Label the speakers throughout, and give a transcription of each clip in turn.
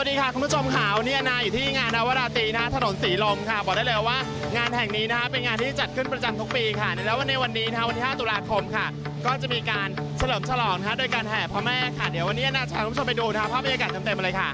Speaker 1: วัสดีค่ะคุณผู้ชมข่าวเนี่ยนาอยู่ที่งานนวราตรีนะถนนสีลมค่ะบอกได้เลยว่างานแห่งนี้นะคะเป็นงานที่จัดขึ้นประจำทุกปีค่ะแล้วในวันนี้นะคะวันที่5 ตุลาคมค่ะก็จะมีการเฉลิมฉลองนะคะโดยการแห่พระแม่ค่ะเดี๋ยววันนี้นาจะพาคุณผู้ชมไปดูนะคะภาพบรรยากาศเต็มๆเลยค่ะ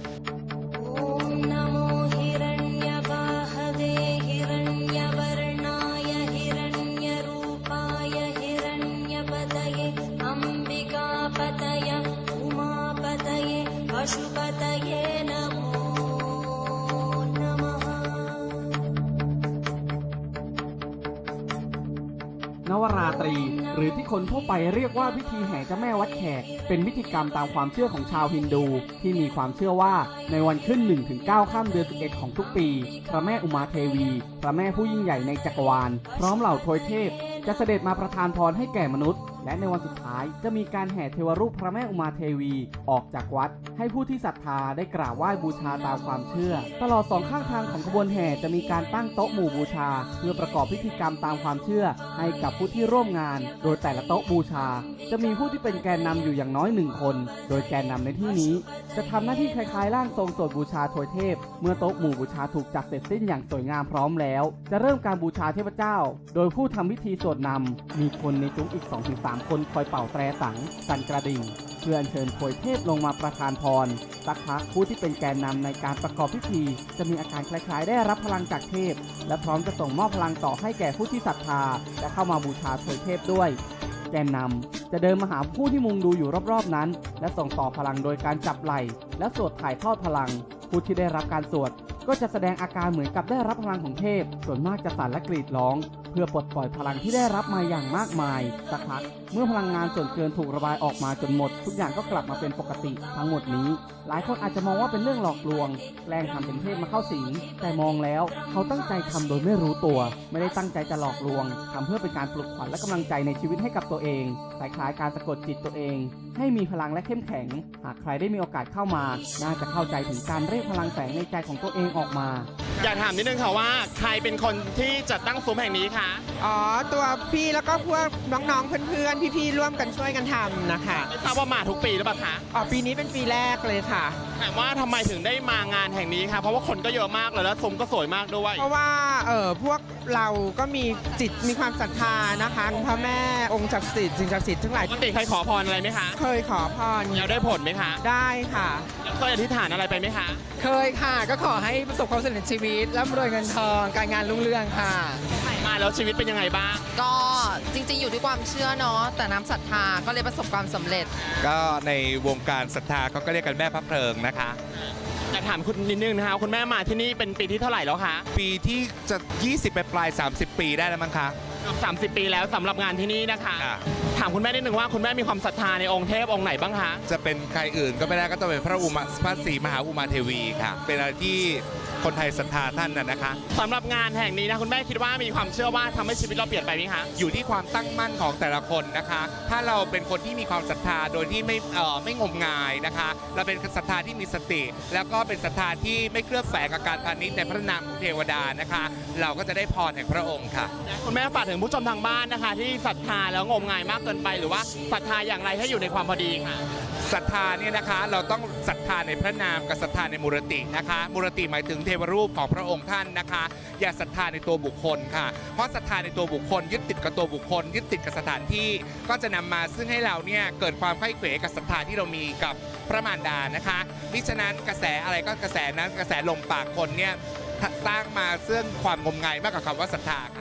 Speaker 2: นวราตรีหรือที่คนทั่วไปเรียกว่าพิธีแห่เจ้าแม่วัดแขกเป็นพิธีกรรมตามความเชื่อของชาวฮินดูที่มีความเชื่อว่าในวันขึ้น 1-9 ค่ำเดือน 11 ของทุกปีพระแม่อุมาเทวีพระแม่ผู้ยิ่งใหญ่ในจักรวาลพร้อมเหล่าทวยเทพจะเสด็จมาประทานพรให้แก่มนุษย์และในวันสุดท้ายจะมีการแห่เทวรูปพระแม่อุมาเทวีออกจากวัดให้ผู้ที่ศรัทธาได้กราบไหว้บูชาตามความเชื่อตลอดสองข้างทางของขบวนแห่จะมีการตั้งโต๊ะหมู่บูชาเพื่อประกอบพิธีกรรมตามความเชื่อให้กับผู้ที่ร่วมงานโดยแต่ละโต๊ะบูชาจะมีผู้ที่เป็นแกนนำอยู่อย่างน้อย1 คนโดยแกนนำในที่นี้จะทำหน้าที่คล้ายๆร่างทรงสวดบูชาทวยเทพเมื่อโต๊ะหมู่บูชาถูกจัดเสร็จสิ้นอย่างสวยงามพร้อมแล้วจะเริ่มการบูชาเทพเจ้าโดยผู้ทำพิธีสวดนำมีคนในซุ้มอีก 2-3 คนคอยเป่าแตรสังสั่นกระดิ่งเพื่ออัญเชิญทวยเทพลงมาประทานพรสักพักผู้ที่เป็นแกนนำในการประกอบพิธีจะมีอาการคล้ายๆได้รับพลังจากเทพและพร้อมจะส่งมอบพลังต่อให้แก่ผู้ที่ศรัทธาและเข้ามาบูชาทวยเทพด้วยแกนนำจะเดินมาหาผู้ที่มุงดูอยู่รอบๆนั้นและส่งต่อพลังโดยการจับไหล่และสวดถ่ายทอดพลังผู้ที่ได้รับการสวดก็จะแสดงอาการเหมือนกับได้รับพลังของเทพส่วนมากจะสั่นและกรีดร้องเพื่อปลดปล่อยพลังที่ได้รับมาอย่างมากมายสักพักเมื่อพลังงานส่วนเกินถูกระบายออกมาจนหมดทุกอย่างก็กลับมาเป็นปกติทั้งหมดนี้หลายคนอาจจะมองว่าเป็นเรื่องหลอกลวงแกล้งทำเป็นเทพมาเข้าสิงแต่มองแล้วเขาตั้งใจทำโดยไม่รู้ตัวไม่ได้ตั้งใจจะหลอกลวงทำเพื่อเป็นการปลุกขวัญและกำลังใจในชีวิตให้กับตัวเองคล้ายๆการสะกดจิตตัวเองให้มีพลังและเข้มแข็งหากใครได้มีโอกาสเข้ามาน่าจะเข้าใจถึงการเรียกพลังแฝงในใจของตัวเองออกมา
Speaker 1: อยากถามนิดนึงค่ะว่าใครเป็นคนที่จัดตั้งซุ้มแห่งนี้คะ
Speaker 3: ตัวพี่แล้วก็พวกน้องๆเพื่อนๆพี่ๆร่วมกันช่วยกันทำนะคะ
Speaker 1: ไม่ทราบว่ามาทุกปีหรือเปล่าคะ
Speaker 3: ปีนี้เป็นปีแรกเลยค่ะ
Speaker 1: ถามว่าทำไมถึงได้มางานแห่งนี้คะเพราะว่าคนก็เยอะมากเลยแล้วซุ้มก็สวยมากด้วย
Speaker 3: เพราะว่าพวกเราก็มีจิตมีความศรัทธานะคะพระแม่องค์ศักดิ์สิทธิ์สิ่งศักดิ์สิทธิ์ทั้งหลาย
Speaker 1: ปกติเคยขอพรอะไรไหมคะ
Speaker 3: เคยขอพร
Speaker 1: แล้วได้ผลไหมคะ
Speaker 3: ได้ค่ะ
Speaker 1: เคยอธิษฐานอะไรไปไหมคะ
Speaker 3: เคยค่ะก็ขอให้ประสบความสำเร็จชีวิตร่ำรวยเงินทองการงานรุ่งเรืองค่ะ
Speaker 1: มาแล้วชีวิตเป็นยังไงบ้าง
Speaker 4: ก็จริงๆอยู่ที่ความเชื่อเนาะแต่น้ำศรัทธาก็เลยประสบความสำเร็จ
Speaker 5: ก็ในวงการศรัทธาเขาก็เรียกกันแม่พระเพลิงนะคะ
Speaker 1: อยากถามคุณนิดนึงนะคะคุณแม่มาที่นี่เป็นปีที่เท่าไหร่แล้วคะ
Speaker 5: ปีที่จะ20ไปปลาย30 ปีได้แล้วมั้งคะ
Speaker 1: 30 ปีแล้วสำหรับงานที่นี่นะคะถามคุณแม่นิดนึงว่าคุณแม่มีความศรัทธาในองค์เทพองค์ไหนบ้างคะ
Speaker 5: จะเป็นใครอื่นก็ไม่ได้ก็ต้องเป็นพระศรีมหาอุมาเทวีค่ะเป็นอะไรที่คนไทยศรัทธาท่านนะคะ
Speaker 1: สำหรับงานแห่งนี้นะคุณแม่คิดว่ามีความเชื่อว่าทำให้ชีวิตเราเปลี่ยนไปไหมคะ
Speaker 5: อยู่ที่ความตั้งมั่นของแต่ละคนนะคะถ้าเราเป็นคนที่มีความศรัทธาโดยที่ไม่งมงายนะคะเราเป็นศรัทธาที่มีสติแล้วก็เป็นศรัทธาที่ไม่เคลือบแฝงกับการพาณิชย์ในพระนามของเทวดานะคะเราก็จะได้พรแห่งพระองค์ค่ะ
Speaker 1: คุณแม่ฝากถึงผู้ชมทางบ้านนะคะที่ศรัทธาแล้วงมงายมากเกินไปหรือว่าศรัทธาอย่างไรให้อยู่ในความพอดีค่ะ
Speaker 5: ศรัทธาเนี่ยนะคะเราต้องศรัทธาในพระนามกับศรัทธาในมูรตินะคะมูรติหมายถึงเทวรูปของพระองค์ท่านนะคะอย่าศรัทธาในตัวบุคคลค่ะเพราะศรัทธาในตัวบุคคลยึดติดกับตัวบุคคลยึดติดกับสถานที่ก็จะนำมาซึ่งให้เราเนี่ยเกิดความไข้เขวกับศรัทธาที่เรามีกับพระมารดานะคะมิฉะนั้นกระแสอะไรก็กระแสนั้นกระแสลมปากคนเนี่ยสร้างมาซึ่งความงมงายมากกว่าคำว่าศรัทธาค่ะ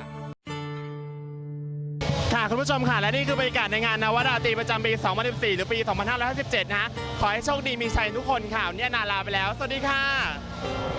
Speaker 1: ค่ะคุณผู้ชมค่ะและนี่คือบรรยากาศในงานนวราตรีประจำปี 2014 หรือปี 2557 นะขอให้โชคดีมีชัยทุกคนค่ะเนี่ยนาลาไปแล้วสวัสดีค่ะ